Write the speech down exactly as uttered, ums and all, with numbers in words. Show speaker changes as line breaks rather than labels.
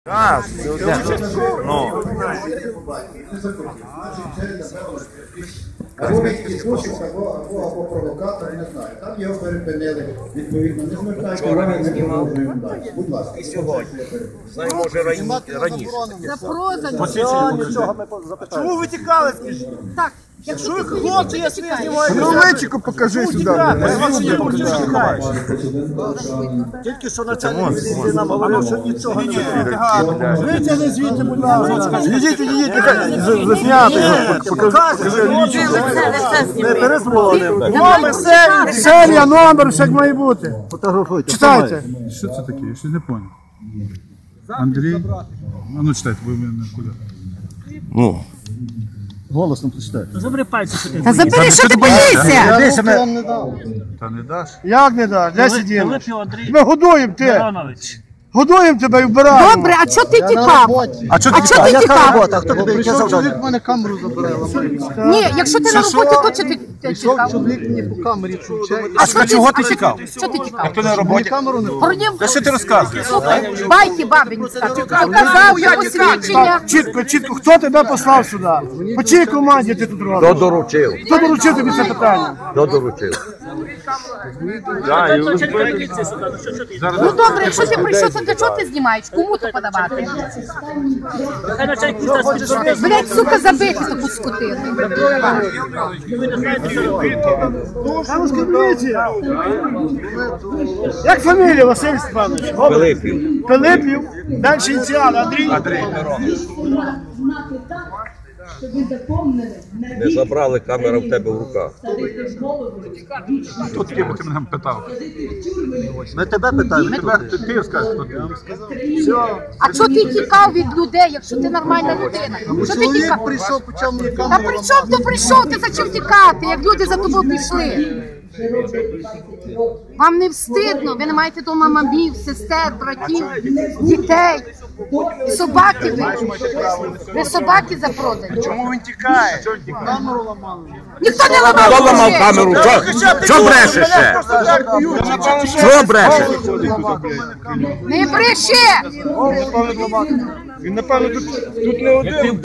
А, ну.
Або відпустив, або, або, або провокатор, не знаю. Там його перепинили, відповідно, не звертайте уваги, не продовжуємо далі. Будь ласка.
І сьогодні. Знаю, може раніше.
Чому ви тікали, скажіть?
Так,
Якщо ви хлопці, я свій знімаю.
Ну, личико покажи сюди.
Тільки що начальник міліції нам говорив, що нічого не витягати.
Витягни звідти, будь ласка. Їдіть, їдіть, засняти його. Покажи.
Не перезвонив.
Номер, серія, серія, номер, все як має бути.
Фотографуйте.
Читайте.
Що це таке? Я ще не зрозумів. Андрій? А ну читайте, бо ви мене куди?
Ну.
Голосно прочитайте.
забери пальці сюди.
Та забери, що ти боїшся?
Та не даш?
Як не даш? Де сиділи?
Пилипів Андрій
Ми годуємо ти.
Миронович.
Годуємо тебе і вбираємо.
Добре, а чого ти тікав?
А чого
А чого ти тікав?
А хто тобі яке завдання?
мене камеру забирає.
Ні, якщо ти на роботі, то чого ти ти тікав?
Чоловік мені по камері включає.
А що
чого ти тікав?
Що ти тікав?
Хто на роботі?
Камеру не
Породів,
Та що ти розказуєш?
слухай, байки бабині скажуть. Показав, я посвідчення.
Чітко, чітко, хто тебе послав сюди? По чиїй команді ти тут робиш?
Хто доручив?
Хто доручив тобі це питання?
Хто доручив?
Ну добре, якщо ти прийшов, то для чого ти знімаєш? Кому то подавати?
Хай начальник міста спільно.
Блять, сука, забити таку скотину.
Як фамілія, Василь Степанович?
Пилипів.
Пилипів, далі ініціали, Андрій.
Андрій Миронович.
Знати так, щоб ви запомнили
Не забрали, камера в тебе в руках.
Хто такий, бо ти мене питав?
Ми тебе питаємо.
Тебе, ти, ти скажеш, хто ти.
А чого ти тікав від людей, якщо ти нормальна людина? Що ти
Чоловік
тікав?
прийшов, почав мені
Та
камеру.
при чому ти прийшов? Ти зачем тікати, як люди за тобою пішли? Вам не встидно, ви не маєте дома мамів, сестер, братів, дітей. І собаки ви. Ви собаки запродані.
Чому він тікає?
Ніхто не ламав.
Хто ламав
ключі.
камеру? Що? Що бреше ще? Що бреше?
Не бреши!
Він, напевно, тут, тут не один.